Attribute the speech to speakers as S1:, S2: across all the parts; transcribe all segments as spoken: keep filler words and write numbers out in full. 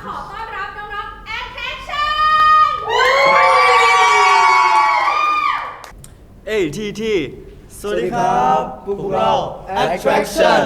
S1: ขอต้อนรับน้องๆ Attraction
S2: เอ้ยที่ที่สวัสดีครั
S3: ครับ บพวกเรา Attraction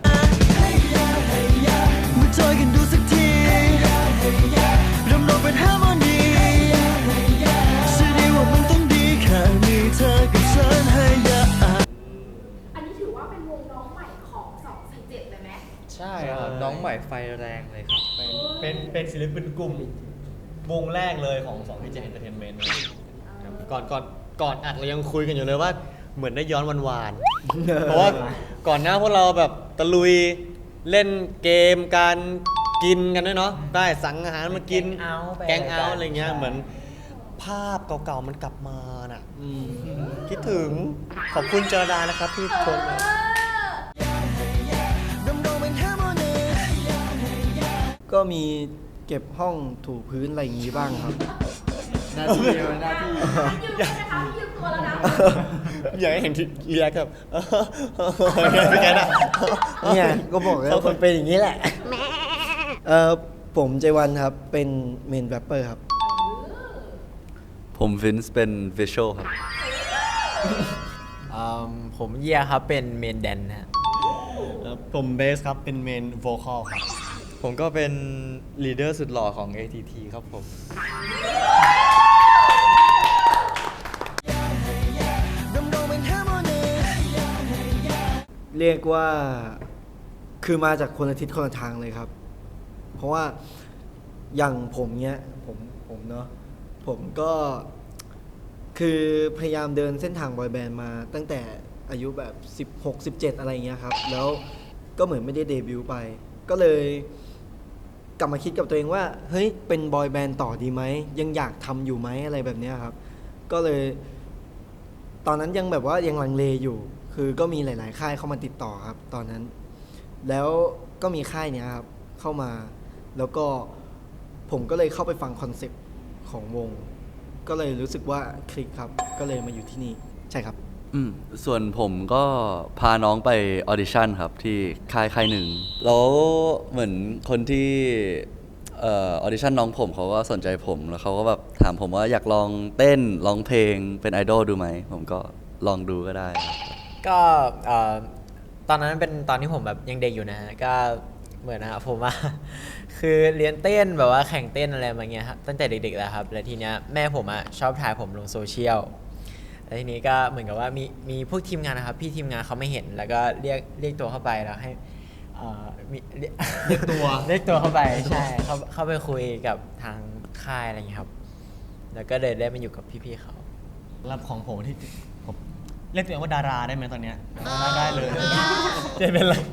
S4: มาจอยกันดูสักทีรำนองเป็นฮาร์โมนีเชื่อดีว่ามันต้องดีแค่มีเธอกับฉันให้ยา
S1: อันนี้ถือว่าเป็นวงน้องใหม่ของสองสี่เจ็ดเลยไหม
S3: ใช่ครับน้องใหม่ไฟแรงเลยครับ
S2: เป็นเป็นศิลปินกลุ่มวงแรกเลยของสองพีเจ Entertainment ครับก่อนก่อนก่อนอัดเรายังคุยกันอยู่เลยว่าเหมือนได้ย้อนวานๆ เพราะว่าก่อนหน้าพวกเราแบบตะลุยเล่นเกมการกินกันด้วยเนาะได้สั่งอาหารมากิน แกงเอาท์อะไรเงี้ยเหมือนภาพเก่าๆมันกลับมาน่ะคิดถึงขอบคุณเจรดานะครับที่ชม
S4: ก็มีเก็บห้องถูพื้นอะไรอย่างงี้บ้างครับ หน้าที่หน้าที่
S1: ยืมตัวนะคะยืมตัวแล้วนะ
S2: อยากให้เห็นที่เรียกครับเป็นไงนะ
S4: เนี่ยก็บอกแล้วคนเป็นอย่างนี้แหละเออผมเจวันครับเป็นเมนแรปเปอร์ครับ
S5: ผมฟินส์เป็นวิชวลครับ
S3: อืมผมเยียครับเป็นเมนแดนนะฮะ
S2: ผมเบสครับเป็นเมนโวคอลครับ
S5: ผมก็เป็นลีดเดอร์สุดหล่อของ เอ ที ที ครับผม
S4: เรียกว่าคือมาจากคนละทิศคนละทางเลยครับ เพราะว่าอย่างผมเนี้ยผมผมเนาะผมก็คือพยายามเดินเส้นทางบอยแบนด์มาตั้งแต่อายุแบบสิบหก สิบเจ็ดอะไรเงี้ยครับแล้วก็เหมือนไม่ได้เดบิวต์ไป ก็เลยกลับมาคิดกับตัวเองว่าเฮ้ยเป็นบอยแบนด์ต่อดีไหมยังอยากทำอยู่ไหมอะไรแบบเนี้ยครับ ก็เลย ตอนนั้นยังแบบว่ายังลังเลอยู่ คือก็มีหลาย ๆ ค่ายเข้ามาติดต่อครับ ตอนนั้น แล้วก็มีค่ายเนี้ยครับเข้ามา แล้วก็ผมก็เลยเข้าไปฟังคอนเซปต์ของวง ก็เลยรู้สึกว่าคลิกครับ ก็เลยมาอยู่ที่นี่ ใช่ครับ
S5: อืมส่วนผมก็พาน้องไปออดิชั่นครับที่ค่ายค่ายหนึ่ง แล้วเหมือนคนที่เออออดิชั่นน้องผมเขาก็สนใจผม แล้วเขาก็แบบถามผมว่าอยากลองเต้นร้องเพลงเป็นไอดอลดูไหม ผมก็ลองดูก็ได้ครับ
S3: ก็เอ่อตอนนั้นเป็นตอนที่ผมแบบยังเด็กอยู่นะฮะก็เหมือนนะครับผมว่า คือเรียนเต้นแบบว่าแข่งเต้นอะไรมาเงี้ยครับตั้งแต่เด็กๆแล้วครับแล้วทีเนี้ยแม่ผมอ่ะชอบถ่ายผมลงโซเชียลแล้วทีนี้ก็เหมือนกับว่ามีมีพวกทีมงานนะครับพี่ทีมงานเขาไม่เห็นแล้วก็เรียกเรียกตัวเข้าไปแล้วให้เอ่อมีเรียก
S2: เรียกตัว
S3: เรียกตัวเข้าไปใช่เขาเข้าไปคุยกับทางค่ายอะไรอย่างเงี้ยครับแล้วก็เลยได้มาอยู่กับพี่ๆเขา
S2: รับของผมที่ผมเรียกตัวเองว่าดาราได้ไหมตอนเนี้ยได้ได้เลยจะเป็นไร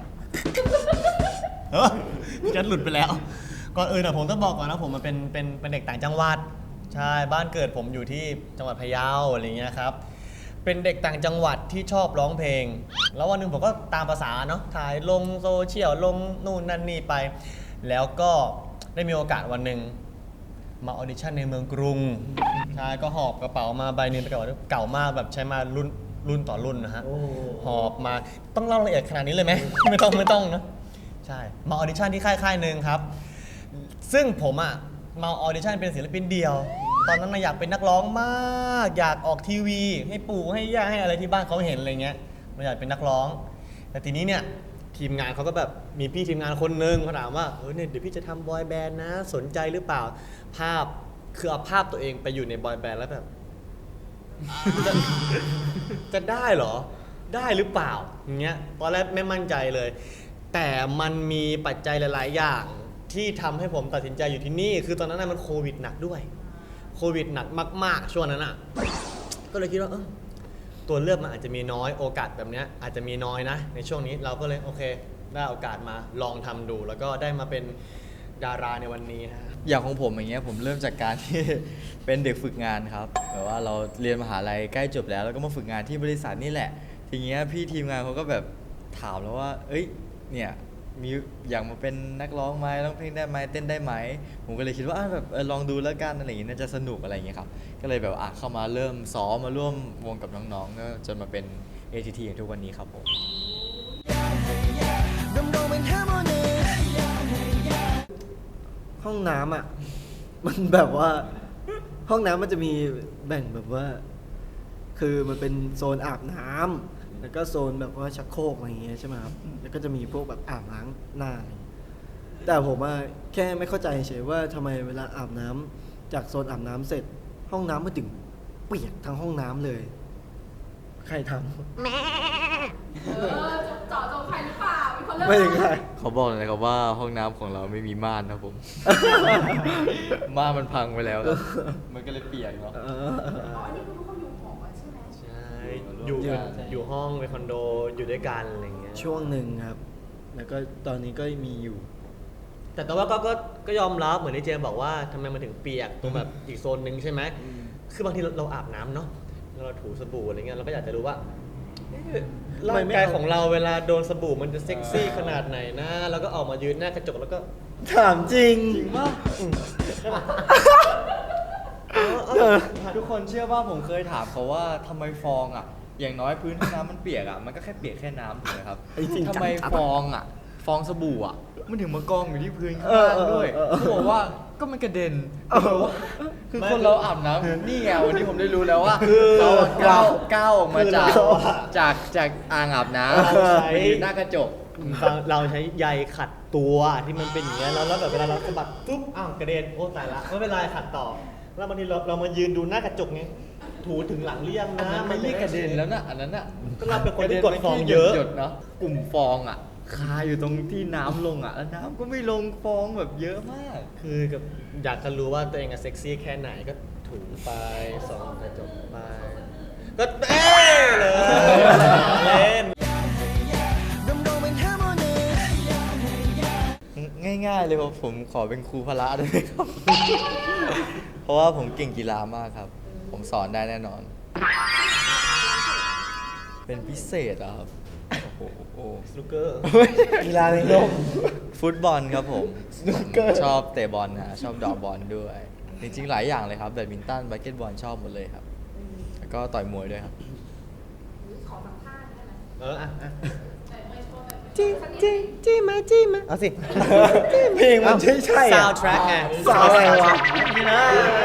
S2: เออจะหลุดไปแล้ว ก่อนอื่นอะผมต้องบอกก่อนนะผมมันเป็นเป็นเป็นเด็กต่างจังหวัดใช่บ้านเกิดผมอยู่ที่จังหวัดพะเยาอะไรเงี้ยครับเป็นเด็กต่างจังหวัดที่ชอบร้องเพลง แล้ววันหนึ่งผมก็ตามภาษาเนาะถ่ายลงโซเชียลลงนู่นนั่นนี่ไป แล้วก็ได้มีโอกาสวันหนึ่งมาออดิชั่นในเมืองกรุงใช่ก็หอบกระเป๋ามาใบหนึงไปเก่าเก่ามากแบบใช้มารุ่นรุ่นต่อรุ่นนะฮะหอบมาต้องเล่าละเอียดขนาดนี้เลยไหม ไม่ต้องไม่ต้องนะใช่มาออดิชั่นที่ค่ายค่ายหนึ่งครับ ซึ่งผมอะมาออดิชั่นเป็นศิลปินเดี่ยว ตอนนั้นนะอยากเป็นนักร้องมาก อยากออกทีวี ให้ปู่ให้ย่าให้อะไรที่บ้านเขาเห็นอะไรเงี้ยเราอยากเป็นนักร้อง แต่ทีนี้เนี่ยทีมงานเขาก็แบบมีพี่ทีมงานคนนึงเขาถามว่าเออเนี่ยเดี๋ยวพี่จะทำบอยแบนด์นะสนใจหรือเปล่าภาพคือเอาภาพตัวเองไปอยู่ในบอยแบนด์แล้วแบบ จะจะได้เหรอได้หรือเปล่าอย่างเงี้ยตอนแรกไม่มั่นใจเลย แต่มันมีปัจจัยหลาย ๆ อย่างที่ทำให้ผมตัดสินใจอยู่ที่นี่ คือตอนนั้นนะมันโควิดหนักด้วยโควิดหนักมาก ๆ ช่วงนั้นอ่ะก็เลยคิดว่าเออตัวเลือกมันอาจจะมีน้อยโอกาสแบบเนี้ยอาจจะมีน้อยนะในช่วงนี้เราก็เลยโอเคได้โอกาสมาลองทำดู แล้วก็ได้มาเป็นดาราในวันนี้นะ
S6: อย่างของผมอย่างเงี้ยผมเริ่มจากการที่ เป็นเด็กฝึกงานครับแบบว่าเราเรียนมหาลัยใกล้จบแล้วแล้วก็มาฝึกงานที่บริษัทนี่แหละทีเงี้ยพี่ทีมงานเขาก็แบบถามแล้วว่า เอ้ยเนี่ยมีอยากมาเป็นนักร้องไหมร้องเพลงได้ไหมเต้นได้ไหมผมก็เลยคิดว่าอ่ะแบบเออลองดูแล้วกันอะไรอย่างเงี้ยน่าจะสนุกอะไรอย่างเงี้ยครับก็เลยแบบอ่ะเข้ามาเริ่มซ้อมมาร่วมวงกับน้องๆก็จนมาเป็น เอ ที ที อย่างทุกวันนี้ครับผม
S4: ผห้องน้ำอ่ะ มันแบบว่า ห้องน้ำมันจะมีแบ่งแบบว่า คือมันเป็นโซนอาบน้ำแล้วก็โซนแบบว่าชักโครกอะไรอย่างเงี้ยใช่ไหมครับแล้วก็จะมีพวกแบบอาบล้างหน้าอะไรอย่างเงี้ยแต่ผมว่าแค่ไม่เข้าใจเฉยว่าทำไมเวลาอาบน้ำจากโซนอาบน้ำเสร็จ ห้องน้ำมันถึงเปียกทั้งห้องน้ำเลย ใครทำ
S1: เออเจาะจงใครหรือเปล่ามีคนเลือก
S4: ไม่ถึงใคร
S6: เขาบอกเลยครับว่าห้องน้ำของเราไม่มีม่านนะผม ม่านมันพังไปแล้วครับมันก็เลยเปียกเนาะ
S4: เออ
S1: อ๋ออันนี้คือทุกคนอยู่หอกันใช่ไหม
S2: ใช่อยู่
S4: อยู่
S2: อยู่ห้องเป็นคอนโดอยู่ด้วยกันอะไรอย่างเงี้ย
S4: ช่วงหนึ่งครับ แล้วก็ตอนนี้ก็มีอยู่
S2: แต่แต่ว่าก็ก็ก็ยอมรับเหมือนที่เจมบอกว่าทำไมมันถึงเปียกตรงแบบอีกโซนหนึ่งใช่ไหมคือบางทีเราเราอาบน้ำเนาะแล้วเราถูสบู่อะไรเงี้ยเราก็อยากจะรู้ว่าเอ๊ะ
S4: ทำไม
S2: ร่าง
S4: ไม่
S2: กาย
S4: เอา
S2: ของเราเวลาโดนสบู่มันจะเซ็กซี่ขนาดไหนนะแล้วก็ออกมายืนหน้ากระจกแล้วก็
S4: ถามจริง
S6: จริงป่ะทุกคนเชื่อว่าผมเคยถามเขาว่าทำไมฟองอ่ะ อย่างน้อยพื้นห้องน้ำมันเปียกอ่ะมันก็แค่เปียกแค่น้ำถูกไหมครับ
S4: ไอ้จริงจัง
S6: ทำไมฟองอ่ะ ฟองสบู่อ่ะ มันถึงมากองอยู่ที่พื้นข้าง
S4: เออ
S6: ล่าง
S4: เออ
S6: ด้วย
S4: เออเออ
S6: เขาบอกว่าก็มันกระเด็น
S4: เออ
S6: เขาบอกว่าคือคนเราอาบน้ำนี่ไงวันนี้ผมได้รู้แล้วว่า
S2: คือ
S6: เขาก้าวก้าวออกมาจาก
S2: คือเราอะ
S6: จากจากอ่างอาบน้ำ
S2: เราใช้
S6: ไปยืนหน้ากระจก
S2: เราเราใช้ใยขัดตัวที่มันเป็นอย่างเงี้ยแล้วแล้วแบบเวลาเราสะบัดปุ๊บอ้าวกระเด็นโอ้ตายละไม่เป็นไรขัดต่อแล้วบางทีเราเรามายืนดูหน้ากระจกไงถูถึงหลังหรือยัง
S6: อัน
S2: นะ
S6: นั้นไม่เรียกกระเด็นแล้วนะอันนั้นอ่ะ
S2: ก็เราเป็นคนที่กดฟองเยอะ
S6: หยดๆเนาะกลุ่มฟองอ่ะคาอยู่ตรงที่น้ำลงอ่ะแล้วน้ำก็ไม่ลงฟองแบบเยอะมาก
S2: คือกับอยากจะรู้ว่าตัวเองอะเซ็กซี่แค่ไหนก็ถูไปส่องกระจกไปก็เอ้เลยเล่น
S6: ง่ายๆเลยครับผมขอเป็นครูพละได้ไหมครับ เพราะว่าผมเก่งกีฬามากครับ ผมสอนได้แน่นอน เป็นพิเศษเหรอครับโอ้โห
S2: สนุกเกอร์
S4: กีฬาในโลก
S6: ฟุตบอลครับผมชอบเตะบอลนะชอบเดอกบอลด้วย จริงๆหลายอย่างเลยครับแบดมินตันบาสเกตบอลชอบหมดเลยครับ แล้วก็ต่อยมวยด้วยครับ
S1: ขอสัมภาษณ์ได้ไหม
S2: เอออ่ะอ่ะ
S1: แต่ไม่โชว์แบบ
S2: จี้จี้จี้มาจี้มาเอาสิ
S4: เพลงมันใช่ใช่อะ
S2: soundtrack ไง
S4: สาวอะไรวะ
S2: นี่นะ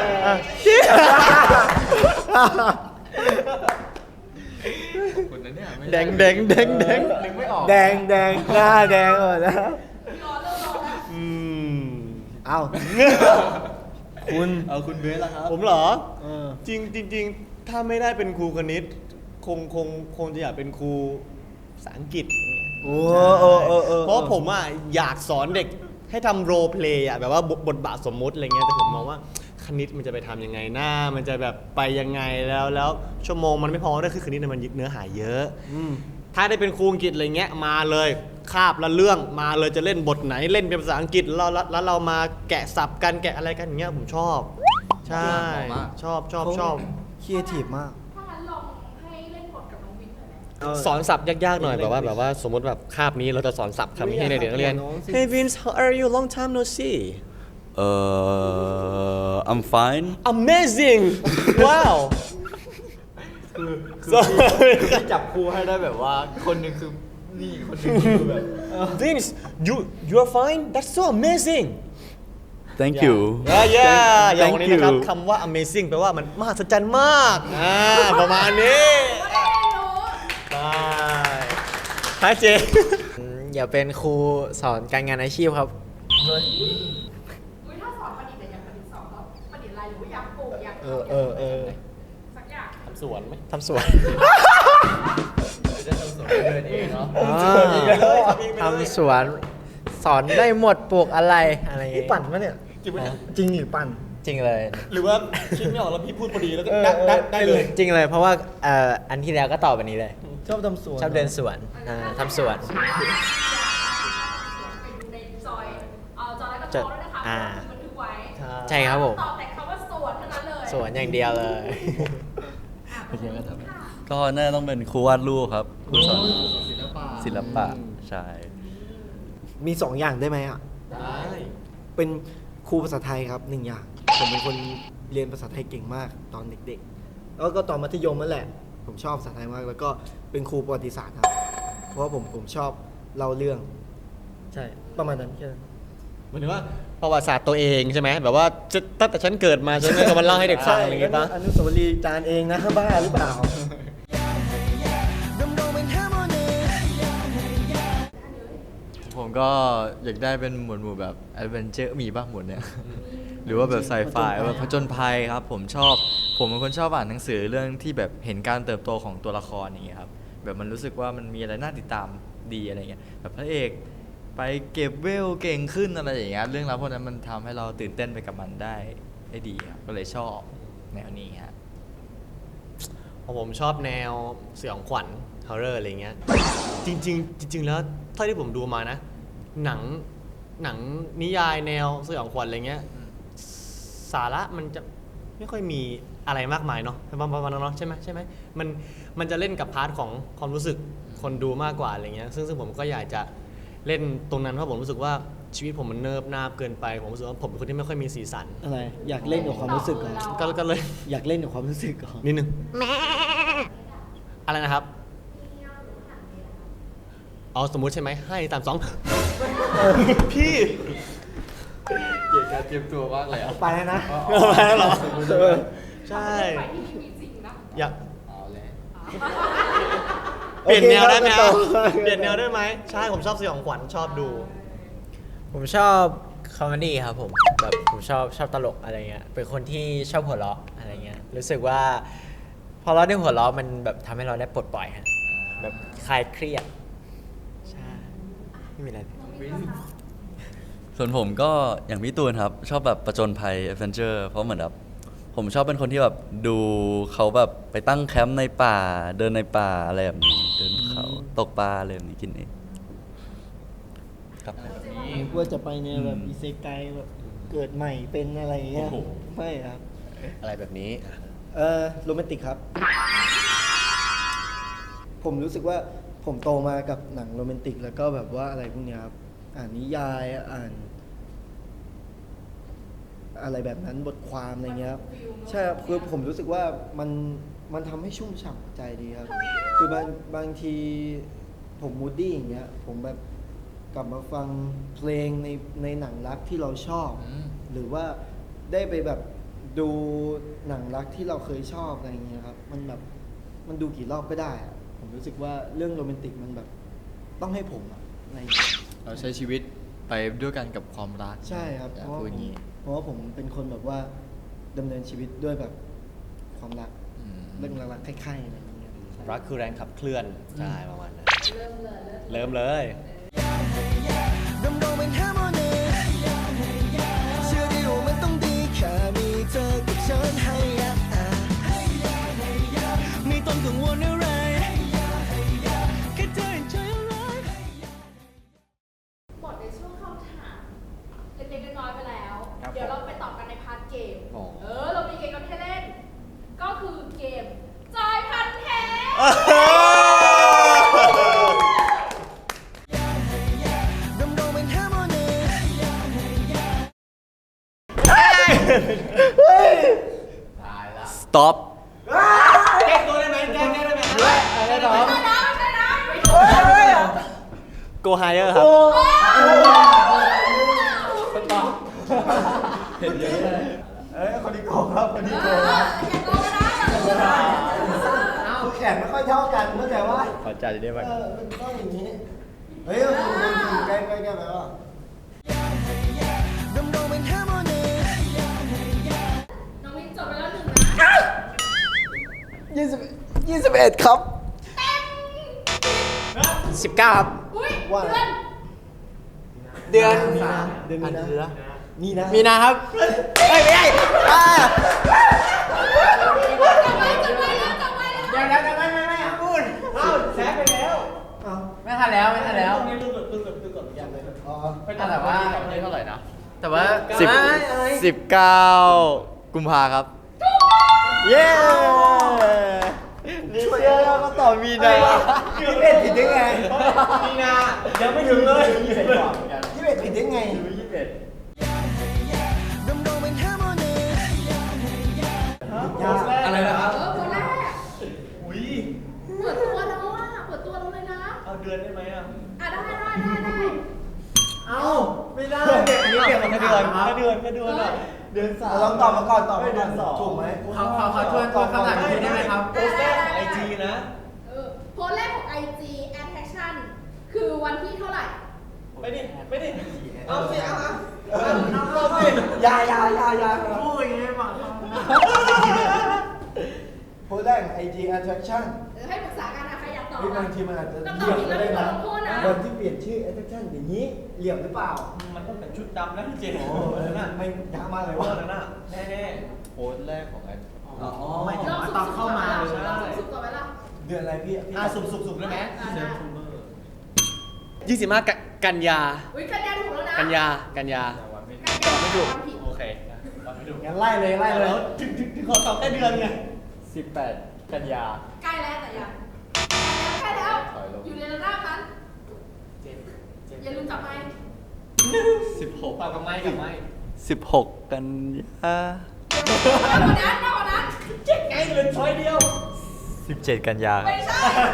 S6: ขอบคุณนะเนี่ยไม่
S2: แดงแดงแดงแดง
S6: นึกไม่ออก
S4: แดงแดงหน้าแดงหมดแล้ว
S1: รอเริ่มรอแล้ว
S2: อืม
S4: เอ้า คุณ
S6: เอาคุณเบสละครับ
S2: ผมเหรอ
S4: เออ
S2: จริงจริงจริงถ้าไม่ได้เป็นครูคณิต คงคงคงจะอยากเป็นครูภาษาอังกฤษอย่างเงี้ย
S4: โอ้เออเออเออ
S2: เพราะผมอ่ะอยากสอนเด็กให้ทำโรเพลย์อ่ะแบบว่าบทบทบาทสมมุติอะไรเงี้ยแต่ผมมองว่าคณิตมันจะไปทำยังไงหน้ามันจะแบบไปยังไงแล้วแล้วชั่วโมงมันไม่พอด้วยคือคณิตเนี่ยมันเนื้อหาเยอะ
S4: อืม
S2: ถ้าได้เป็นครูอังกฤษอะไรเงี้ยมาเลยคาบละเรื่องมาเลยจะเล่นบทไหนเล่นเป็นภาษาอังกฤษแล้วแล้วแล้วเรามาแกะสับกันแกะอะไรกันอย่างเงี้ยผมชอบ ใช่
S6: เหมาะมาก
S2: ชอบชอบชอบ
S4: ครีเอทีฟมาก
S1: ถ้างั้นลองให้เล่นบทกับน้องวินหน่อยไหม
S4: เออ
S2: สอนศัพท์ยากๆหน่อยแบบว่าแบบว่าสมมติแบบคาบนี้เราจะสอนศัพท์คำนี้ให้เด็กๆนักเรียน
S4: น้องสิ
S2: Hey Vince how are you long time no see
S5: เอ่อ I'm fine
S2: Amazing wow
S6: คือคือ
S2: So
S6: พี่จับครูให้ได้แบบว่า คนหนึ่งคือนี่คนหนึ่งคือแบบ
S2: Vince you you are fine that's so amazing
S5: thank you
S2: ย่าย่าอย่าง
S5: Thank
S2: วันนี้นะครับ
S5: you
S2: คำว่า amazing แปลว่ามันมหัศจรรย์มากอ่าประมาณนี้
S1: ก็ได้รู้
S2: ไปฮะเจ
S3: อืมอย่าเป็นครูสอนการงานอาชีพครับ
S1: อุ้ยถ้าสอนประดิษฐ์แต่อย่างประดิษฐ์สอนก็ประดิษฐ์อะไรหรือว่าอยากปลูกอยาก
S2: เออเออเออ
S1: สักอย่าง
S2: ทำสวนไหม
S3: ทำสวน
S6: จะทำสวนเดินเองเนาะ
S3: ทำสวน สอนได้หมดปลูกอะไรอะไรอย่าง
S4: นี่
S3: งี้
S4: ปั่นปะเนี่ย
S2: จริงไหมเนี่ย
S4: จริงหรือปั่น
S3: จริงเลย
S2: หรือว่าคิดไม่ออกแล้วพี่พูดพอดีแล้วก็
S4: เออ
S2: ได้ได้
S4: เออ
S2: ได้เลย
S3: จริงเลยเพราะว่าเอ่ออันที่แล้วก็ตอบแบบนี้เลย
S4: ชอบทำสวน
S3: ชอบเดินสวนอ่าทำสวน
S1: ไปดูในจอยเอ่อจอยแล้วก็โตด้วยนะคะ
S3: อ่า
S1: เพราะว่าบันทึกไว้
S3: ใช่ครับผม
S1: ตอบแต่คำว่าสวนเท่านั้นเลย
S3: สวนอย่างเดียวเลย
S1: อ่ะเป็นยังไงครับ
S5: ก็น่าต้องเป็นครูวาดรูปครับครูสอนศิลปะใช่
S4: มีสองอย่างได้ไหมอ่ะ
S2: ได้
S4: เป็นครูภาษาไทยครับหนึ่งอย่าง ผมเป็นคนเรียนภาษาไทยเก่งมากตอนเด็กๆ แล้วก็ตอนมัธยมนั่นแหละ ผมชอบภาษาไทยมาก แล้วก็เป็นครูประวัติศาสตร์ครับ เพราะว่าผมผมชอบเล่าเรื่อง ใช่ ประมาณนั้นแค่นั้น
S2: หมายถึงว่าประวัติศาสตร์ตัวเองใช่ไหมแบบว่าจะตั้งแต่ฉันเกิดมาฉันก็มาเล่าให้เด็กฟังอะไรอย่างเงี้ยปะ
S4: อนุสาวรีย์จานเองนะบ้าหรือเปล่า
S6: ผมก็อยากได้เป็นหมวดหมู่แบบแอดเวนเจอร์มีป่ะหมวดเนี้ย หรือว่าแบบไซไฟแบบผจญภัยครับ ผมชอบ ผมเป็นคนชอบอ่านหนังสือเรื่องที่แบบเห็นการเติบโตของตัวละครอย่างเงี้ยครับ แบบมันรู้สึกว่ามันมีอะไรน่าติดตามดีอะไรเงี้ย แบบพระเอกไปเก็บเวลเก่งขึ้นอะไรอย่างเงี้ย เรื่องราวพวกนั้นมันทำให้เราตื่นเต้นไปกับมันได้ได้ดีครับ ก็เลยชอบแนวนี้ฮะ
S2: ของผมชอบแนวสยองขวัญฮอร์เรอร์อะไรเงี้ยจริงๆจริง ๆ แล้วเท่าที่ผมดูมานะ หนังหนังนิยายแนวสยองขวัญอะไรเงี้ยสาระมันจะไม่ค่อยมีอะไรมากมายเนาะประมาณนั้นเนาะใช่ไหมใช่ไหมมันมันจะเล่นกับพาร์ทของความรู้สึกคนดูมากกว่าอะไรเงี้ยซึ่งซึ่งผมก็อยากจะเล่นตรงนั้นเพราะผมรู้สึกว่าชีวิตผมมันเนิบนาบเกินไปผมรู้สึกว่าผมเป็นคนที่ไม่ค่อยมีสีสัน
S4: อะไร อยากเล่นกับความรู้สึกก่อน
S2: ก็ก็เลย
S4: อยากเล่นกับความรู้สึกก่อน
S2: นิดนึงอะไรนะครับเอาสมมุติใช่ไหมให้ตามสอง พี่
S6: เกี่ยวกับเตรียมตัวมากเลยอ่ะ
S4: ไปแล้วนะ
S2: ไปแล้วเหรอใช่
S1: ไปที่นี่มีจริงนะ
S2: อยาก
S6: เอาแล้ว
S2: เปลี่ยนแนวได้ไหม
S4: โอ
S2: อ่ะ
S4: เคครับ
S2: เปลี่ยนแนวได้ไหมใช่ผมชอบสยองขวัญชอบดู
S3: ผมชอบคอมเมดี้ครับผมแบบผมชอบชอบตลกอะไรเงี้ยเป็นคนที่ชอบหัวเราะอะไรเงี้ยรู้สึกว่าพอเราได้หัวเราะมันแบบทำให้เราได้ปลดปล่อยฮะแบบคลายเครียดใช่ไม่มีอะไร
S5: ส่วนผมก็อย่างพี่ตูนครับ ชอบแบบประจนภัยแอดเวนเจอร์เพราะเหมือนแบบผมชอบเป็นคนที่แบบดูเขาแบบไปตั้งแคมป์ในป่า เดินในป่าอะไรแบบนี้เดินเขาตกปลาอะไรแบบนี้กินเองครับ
S4: นึกว่าจะไปเนี่ยแบบอิเซไกแบบเกิดใหม่เป็นอะไรอย่างเงี้ย
S2: โอ้โห
S4: ไม่ครับ
S2: อะไรแบบนี้
S4: เออโรแมนติกครับ ผมรู้สึกว่าผมโตมากับหนังโรแมนติก แล้วก็แบบว่าอะไรพวกเนี้ยครับ อ่านนิยายอ่าน อะไรแบบนั้นบทความอะไรเงี้ยครับใช่ครับคือผมรู้สึกว่ามันมันทำให้ชุ่มฉ่ำหัวใจดีครับ คือบางบางทีผมมูดดี้อย่างเงี้ย ผมแบบกลับมาฟังเพลงในในหนังรักที่เราชอบ
S6: อืม
S4: หรือว่าได้ไปแบบดูหนังรักที่เราเคยชอบอะไรเงี้ยครับ มันแบบมันดูกี่รอบก็ได้อะผมรู้สึกว่าเรื่องโรแมนติกมันแบบต้องให้ผมอะอะไรเงี้ย
S6: เราใช้ชีวิตไปด้วยกันกับความรัก
S4: ใช่ครับ
S6: อยาก
S4: เพราะว่า
S6: พูด
S4: ผ
S6: อ
S4: ม
S6: ย่างนี้
S4: เพราะว่าผมเป็นคนแบบว่าดำเนินชีวิตด้วยแบบความรัก
S6: อืม
S4: เรื่องรักๆใคร่ๆอะไรอย่างเงี้ย
S2: รักคือแรงขับเคลื่อน ใช่ประมาณนั้น
S1: เริ่มเลยเริ่ม
S2: เริ่มเลย
S7: ดำดงเป็นฮาร์โมนีเชื่อได้ว่ามันต้องดีแค่มีเธอกับฉันให้ยะไม่ต้องกังวลอะไรแค่เธอเห็นใจอะไร
S1: หมดในช่วงเข้าถามเล็กๆน้อยๆไปแล้ว
S6: ครับ
S1: เดี๋ยวเราไปต่อกันในพาร์ทเกม
S6: อ๋อ
S1: เออ เรามีเกมกันให้เล่น ก็คือเกมจอยพันแท้
S7: ดำดงเป็นฮาร์โมนี
S5: stop
S2: แก้ตัวได้ไหมแก้ได้ไหม
S4: อะไรหรอ
S1: ไม่ได้นะไม่ได้นะ
S2: go higher ครับ
S4: เอ้ยคนนี้โกงครับคนนี้
S1: เอ
S4: โก
S1: อง อย่าโกงนะอย่าโกงนะ
S4: คือแขนไม่ค่อยเท่ากันเข้าใจว่า
S6: ขอจ่ายได้ไหม
S4: เออมันต้องอย่างนี้ เฮ้ยคุณคุณใกล้ใกล้ใกล้ไปว่า
S7: ดำดงเป็นฮาร์โมนี
S1: น้องมิ้นจบไปแล้วหนึ่งนะ
S4: ยี่สิบยี่สิบเอ็ดครับ
S3: สิบเก้าครับ
S1: อุ้ย
S4: ว่า
S1: เพื่อน
S3: เดือน
S4: เดือนมีนานี่นะ
S3: มีนาครับเอ้ยไม่ใช่อ่า
S1: จับไว้จับไว้แล้วจับไว้แล้ว
S3: เดี๋ยวเดี๋ยวไม่ไม่ไม่พูด
S4: เอ้าแซะไปแล้วเอ้า
S3: ไม่ทันแล้วไม่ทันแล้ว
S2: นี่ตึ้งกดตึ้งกดตึ้งกดอย่างเลย
S4: อ๋อ
S3: แต่ว่า
S6: นี่เท่าไหร่นะ
S3: แต่ว่า
S6: สิบ
S3: อะไรอะไร
S6: สิบเก้ากุมภาครับ
S4: เย้นี่เชื่อแล้วก็ตอบมีนายี่สิบเอ็ดผิดได้ไง
S2: มีนายังไม่ถึงเลย
S4: ยี่สิบเอ็ดผิดได้ไง
S7: ดำดงเป็นฮาร์โมนี
S2: อะไรนะครับ
S1: เออคนแรก
S2: อุ้ย
S1: เปิดตัวแล้วอ่ะเปิดตัวแล้วเลยนะ
S2: เอาเดือนได้ไหมอ่ะ
S1: อ่ะได้ได้ได้ได้
S2: เอาไม่ได้เด็กอันนี้แค่เดือนแค่เดือนแค่เดือนอ่ะเดือนสาม
S4: ลองตอบมาก่อนตอบมาก่อน
S2: เดือนสอง
S4: ถูกไหม
S8: เขาเขาเขาช่วยช่วยข้างหลังทีได้ไหมครับ
S2: โพสต์แรกของไอจีนะ
S1: เออโพสต์แรกของ ไอ จี attraction คือวันที่เท่าไหร่
S2: ไปดิไปดิเอาสิเอาเอา
S4: เอาสิอยาอยาอยาอยา
S8: พูดอย่างนี้บอกเขา
S4: โพสต์แรก ไอ จี attraction
S1: เออให้ปรึกษากันนะใครอยากตอบ
S4: พี่บา
S1: อ่ะ
S4: งทีมันอาจจะ
S1: ต้อง
S4: เหลี่ยมก็ได้
S1: ตอ
S4: นะ
S1: บผิดแล้วโทษนะ
S4: วันที่เปลี่ยนชื่อ attraction อย่างนี้เหลี่ยมหรือเปล่า
S2: มันต้องเป็นชุดดำนะพี่เจ
S4: โอ้โหนั่นไม่ยากมากเลย
S2: ว่า
S4: ว่า
S2: นั่นน่ะแน่
S6: โพสต์แรกของไอ้
S8: อ๋อ
S2: ๆ
S8: ไม่ถึงว่าตอนเข้ามาเลย
S1: ลองสุ่มๆก่อนไหมล่ะ
S4: เดือนอะไรพี่พี่
S2: อ่ะสุ่มสุ่มสุ่มได้ไหม
S1: อ่ะได้
S9: ยี่สิบห้ากันยา
S1: อุ้ยกันยาถูกแล้วนะ
S9: กันยา กันยา
S1: กันยาไม่ถูกผิด
S2: โอเคตอบไม่ถูก
S4: งั้นไล่เลยไล่เลย
S2: แล้วถึงถึงถึงขอตอบแค่เดือนไง
S6: สิบแปดกันยา
S1: ใกล้แล้วแต่ยังใกล้แล้วใกล้แล้ว อยู่ในระดับนั้นอย่าลืมจับไมค์
S6: สิบหก
S2: ตอบกับไม้กับไม้
S5: สิบหกกันยา
S1: มากกว่านั้นมากกว่านั้น
S2: เจ๊งไงเหลือช้อยเดียว
S6: สิบเจ็ดกันยา
S1: ไม่ใช่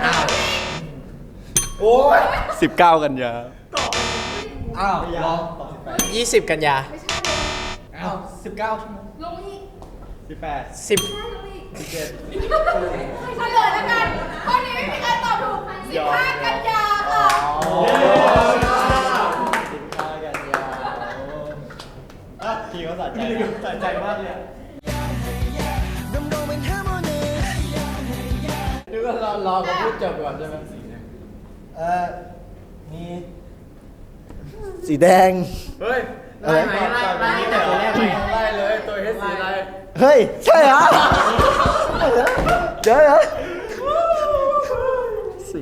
S4: โอ้ย
S5: สิบเก้ากันยา
S6: อ้าวลอง
S3: ยี่สิบกันยา
S1: ไม่ใช่เลย
S2: อ้าวสิบเก้าชั่วโมง
S1: ลงอีก
S6: สิบแปด
S3: สิบ
S1: ใช่ลงอีก
S6: สิบเจ็ด
S1: เฉลยแล้วกันข้อนี้ไม่มีใครตอบถูกสิบห้ากันยาค่ะ
S6: สิบห้ากันยา
S2: อ่ะพี่เขาสะใจสะใจมากเลยอะ
S7: ดำดงเป็นแค่โมเดล
S6: นึกว่ารอรอเขาพูดจบก่อนใช่ไหม
S4: เออมีสีแดง
S6: เฮ้ย
S4: อะไร
S8: ไล่ไหมไล่ไล่แต่ตัวแรกไหม
S6: ไล่เลยตัวเฮดสีอะไร
S4: เฮ้ย ใช่เหรอเดี๋ยวเดี๋ยวสี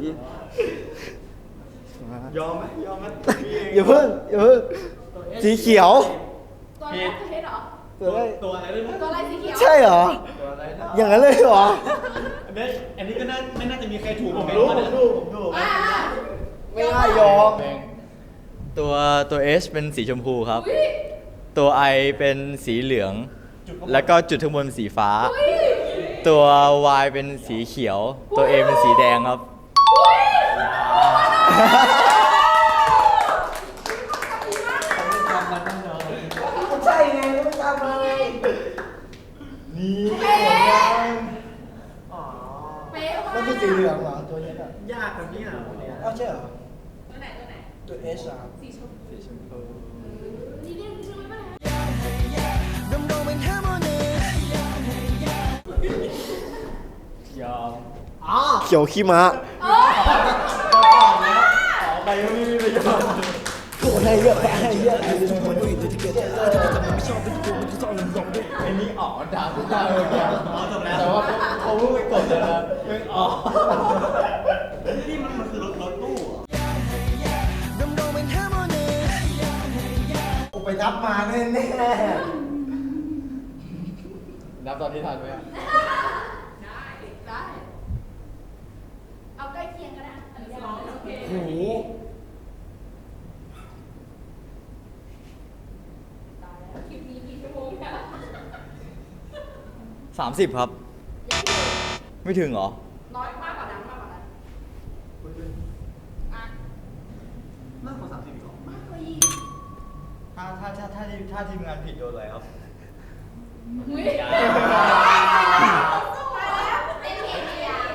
S2: ยอมไหมยอมไหม
S4: อย่าเพิ่งอย่าเพิ่งสีเขียว
S1: ตัวแรกคือเฮดเหรอ
S4: ตัวอะไร
S2: ตัวอะไรด้วยนะ
S1: ตัวอะไรสีเขียว
S4: ใช่เหรอ อย่างนั้นเลยเหรอ
S2: อันนี้อันนี้ก็น่าไม่น่าจะมีใครถูกผมรู้ผมรู้ผมรู้
S1: อ่า
S4: ไม่น่ายอม
S6: ตัวตัว H เป็นสีชมพูครับ
S1: อุ้ย
S6: ตัว I เป็นสีเหลือง แล้วก็จุดข้างบนสีฟ้า
S1: อุ้ย
S6: ตัว Y เป็นสีเขียว ตัว A เป็นสีแดงครับ
S1: อุ้ย
S4: ใช่ไงไม่ทำเลย
S2: นี่
S1: เป๊ะเป๊ะมาก
S4: ก็คือสีเหลืองเหรอตัวนี้อ่ะ
S8: ยากกว่านี้เหรอเนี่ย
S4: อ้าวใช่เหรอ
S1: ตัวไหนตัวไหน
S4: ตัว H อ่ะ
S1: สีชมพูนี่นี่นี่ไม่เป็นไร
S7: ดำดงเป็นแค่โมเดล
S2: ยอม
S4: เขียวขี้ม้า
S1: เอ้ย
S2: ไปไม่มีประโยชน์
S4: โอ้ให้เยอะให้เยอะ
S2: ไอ้นี่ออกดาวดาวเลยอ๋อจบแล้วแต่ว่าเขาเพิ่งไปกดเลยนะยังอ๋อนี่มันมันคือรถรถตู้เหรอ
S7: ดำดงเป็นแค่โมเดล
S4: กูไปนับมาแน่แน่
S6: นับตอนที่ทันไหมอะ
S1: ได้ได้เอาใกล้เคียงก็ได้อันนี้ลองโอเค
S4: โอ้โห
S1: ตายแล้วคลิปนี้กี่ชั่วโมงเนี่ย
S6: สามสิบครับ
S1: ยังอยู่
S6: ไม่ถึงเหรอ
S1: น้อยมากกว่านั้นมากกว่านั้นอ่ะ
S2: มากกว่าสามสิบหรอ
S1: มากกว่าอีก
S6: ถ้าถ้าถ้าถ้าทีมถ้าทีมงานผิดโดนอะไรครับ
S1: อุ้ยตายแล้วเป็นเหตุเดียว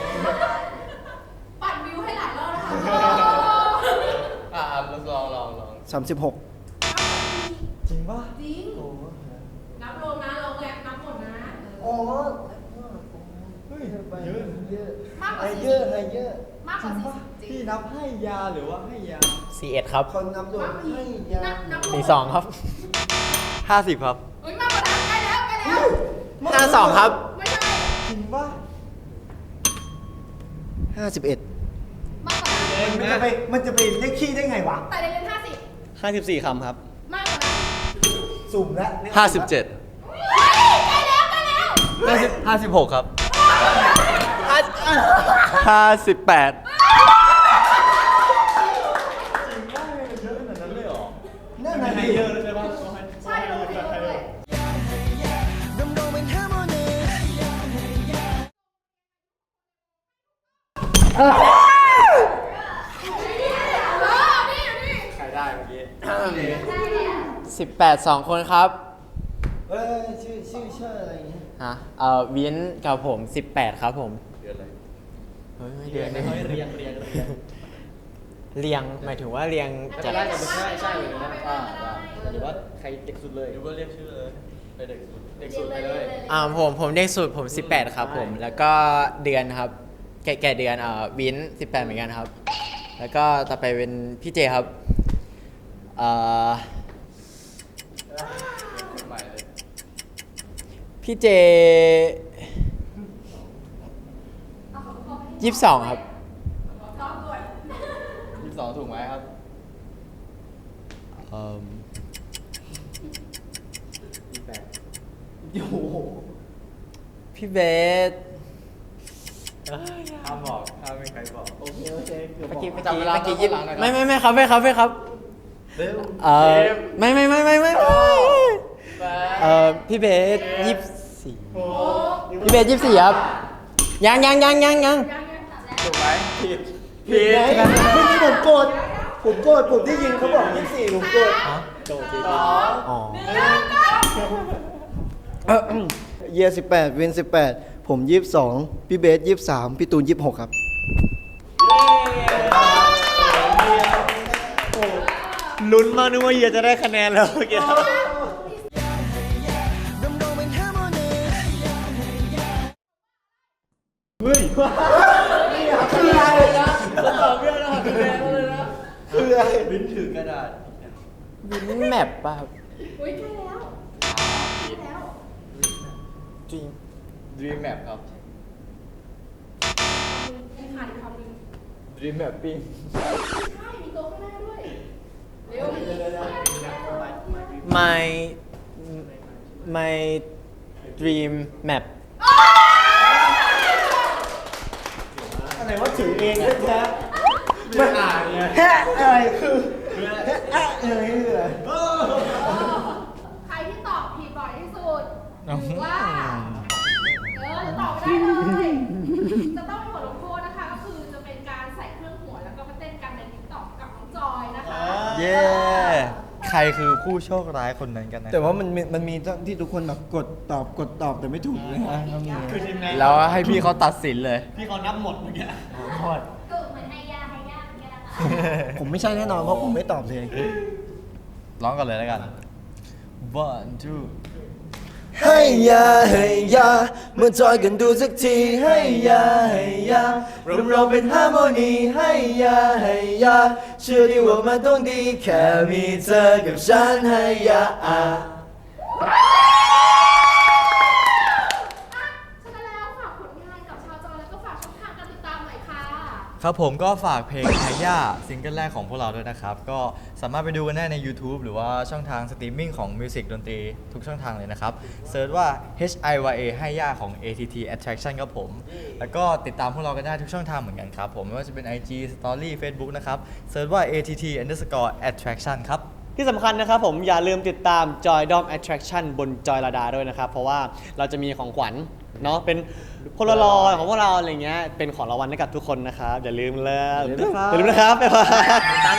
S1: ปั่นวิวให้หลายรอบนะคะ
S6: อ่าลองลองลองลอง
S4: สามสิบหก
S6: จริงป่ะ
S1: จริงนับลงนะลงแรกนับหมดนะ
S4: อ๋อ
S6: เฮ้ย
S4: เยอะ
S6: เยอะ
S1: มากกว่า
S4: ให้
S1: สี่
S4: เย
S1: สิ
S4: อะ
S1: บ
S4: ให้เยอะ
S1: มากกว่าสี่สิบจริ
S6: พี่
S1: ง
S6: นับให้ยาหรือว่าให้ยา
S3: สี่เอ็ดครับ
S4: คนนับโดนให้ยา
S1: นับนับ
S3: สี่สองครับ
S6: ห้าสิบครับ
S1: อุ้ยมากกว่านั้นใกล้แล้วใกล้แล้ว
S3: ห้าสองครับ
S1: ไม่ใช่
S6: จริงป่ะ
S4: ห้าสิบเอ็ด
S1: มากกว่านั้น
S4: มันจะไปมันจะไปเลขขี้ได้ไงวะ
S1: แต่ในเรียนห้าสิบ
S9: ห้าสิบสี่คำครับ
S1: มากกว่านั้น
S4: สุ่มแล้ว
S5: ห้าสิบเจ็ด
S1: เฮ้ยใกล้แล้วใกล้แล้ว
S6: ห้าสิบห้าสิบหกครับ
S5: ห้าสิบแปด
S4: นั่นน่ะ
S2: ให้
S4: ดิ
S2: เยอะเลยใช่ปะ
S1: ใช่ลงไปเยอะเลย
S7: ดำดงเป็นแค่โมเดล
S1: เออนี่นี่
S6: ใครได้เมื่อกี้
S1: ได้แล้ว
S3: สสิบแปดสองคนครับ
S4: เอ้ยชื่อชื่อชื่ออะไรเงี้ย
S3: ฮะเอ่อวินกับผมสิบแปดครับผม
S5: เดือนอะไร
S3: เฮ้ยไม่เดือนเลย
S2: เฮ้ยเรียงเรียงเรียง
S3: เรียงหมายถึงว่าเรียง
S2: ไม่
S3: จา
S2: เป็
S3: ก
S2: นไรแต่ไม่ใช่ใช่เลยนะอ่าได้หรือว่าใครเด็กสุดเลย
S5: หรือว่าเรียกชื่อเลยไปเด็กสุด
S2: เด็กสุดไปเลย
S3: อ่าผมผมเด็กสุดผมสิบแปดครับผม แล้วก็เดือนครับ แก่แก่เดือนเอ่อวินสิบแปดเหมือนกันครับ แล้วก็ต่อไปเป็นพี่เจครับเอ่อ
S5: ใหม่เลย
S3: พี่เจยี่สิบสองครับ
S5: ยี่สิบสองถูกไหมครับเอ่อ
S3: พี่เบส
S6: ห้ามบอกห้ามไม่ใครบอก
S2: โอเคโอเคเกือบ
S3: เมื่อกี้
S2: บ
S3: เมื่
S2: อ
S3: อก กี้เมื่อกี้ยิบ
S5: หลังหน่อย
S3: ไม่ไม่ไม่ครับไม่ครับไม่ครับ
S2: เร็ว
S3: เออไม่ไม่ไม่ไม่ไม่เออพี่เบสยี่สิบสี่พี่เบสยี่สิบสี่ครับยังยังยังยังยัง
S6: ถูกไหมผิด
S4: ผิดไงเมื่อกี้ผมโกรธผมโกรธผมได้ยินเขาบอกยี่สิบสี่ผมโกรธ
S2: โจทย์จริง
S3: อ๋อ
S4: เยียสิบแปดวินสิบแปดผมยี่สิบสองพี่เบสยี่สิบสามพี่ตูนยี่สิบหกครับ
S2: ลุ้นมากนึกว่าเฮียจะได้คะแนนแล้วเมื่อกี้
S7: ดำดงเป็นฮาร์โมนี
S4: คืออะไรนะตอบไม่ได้คะแนนเลยนะคืออะไร
S5: วินถือกระดาษ
S3: วินแมปป่ะครับ
S1: อุ้ยใกล้แล้วใกล้แล้ว
S3: จริง
S6: Dream Map ครับ
S1: มีขาดอีกคำหนึ่ง
S6: Dream Mapping
S1: ใช่มีตัวข้างหน้าด้วย เร็ว
S3: my my dream map
S4: อะไรว่าถือเองแท้ๆมันอ่านเนี่ยแฮะอะไรคือแฮะอะอะไรคืออะไร
S1: ใครที่ตอบผิดบ่อยที่สุดหรือว่า เออจะตอบไม่ได้เลย จะต้องมีบทลงโทษนะคะ ก็คือจะเป็นการใส่เครื่องหัวแล้วก็มาเต้นกันในทิกตอกกับน้องจอยนะคะ
S6: เย้ ใครคือผู้โชคร้ายคนนั้นกันนะ
S4: แต่ว่ามันมีมันมีที่ทุกคนแบบกดตอบกดตอบแต่ไม่ถูกนะฮะก็มี
S2: คือทีมงาน
S6: แล้วให้พี่เขาตัดสินเลย
S2: พี่เขานับหมดเมื่อกี้
S4: โทษ
S1: ก็เหมือนไฮยาไฮยาเหมือนกันนะคะ
S4: ผมไม่ใช่แน่นอนเพราะผมไม่ตอบเลย
S6: ร้องกันเลยแล้วกัน one two
S4: ให้ยาให้ยามาจอยกันดูสักทีให้ยาให้ยาเราเราเป็นฮาร์โมนีให้ยาให้ยาเชื่อดีว่ามันต้องดีแค่มีเธอกับฉันให้ยา
S1: ฉะนั้นแล้วฝากผลงานกับชาวจอยแล้วก็ฝากช่องทางการติดตามหน่อยค่ะ
S6: ครับผมก็ฝากเพลงไฮย่าซิงเกิลแรกของพวกเราด้วยนะครับ ก็สามารถไปดูกันได้ใน YouTube หรือว่าช่องทางสตรีมมิ่งของมิวสิกดนตรีทุกช่องทางเลยนะครับเซิร์ชว่า H I Y A ไฮย่าของ เอ ที ที Attraction ครับผม แล้วก็ติดตามพวกเรากันได้ทุกช่องทางเหมือนกันครับผม ไม่ว่าจะเป็น ไอ จี Story Facebook นะครับเซิร์ชว่า เอ ที ที underscore attraction ครับ
S2: ที่สำคัญนะครับผมอย่าลืมติดตาม Joy Dom Attraction บน Joy Lada ด้วยนะครับ เพราะว่าเราจะมีของขวัญเนาะเป็นโพลารอยของพวกเราอะไรเงี้ยเป็นของรางวัลให้กับทุกคนนะครับ อย่าลืมเลย
S4: อย่าลืมนะครับ
S2: อย่าลืมนะครับบ๊ายบาย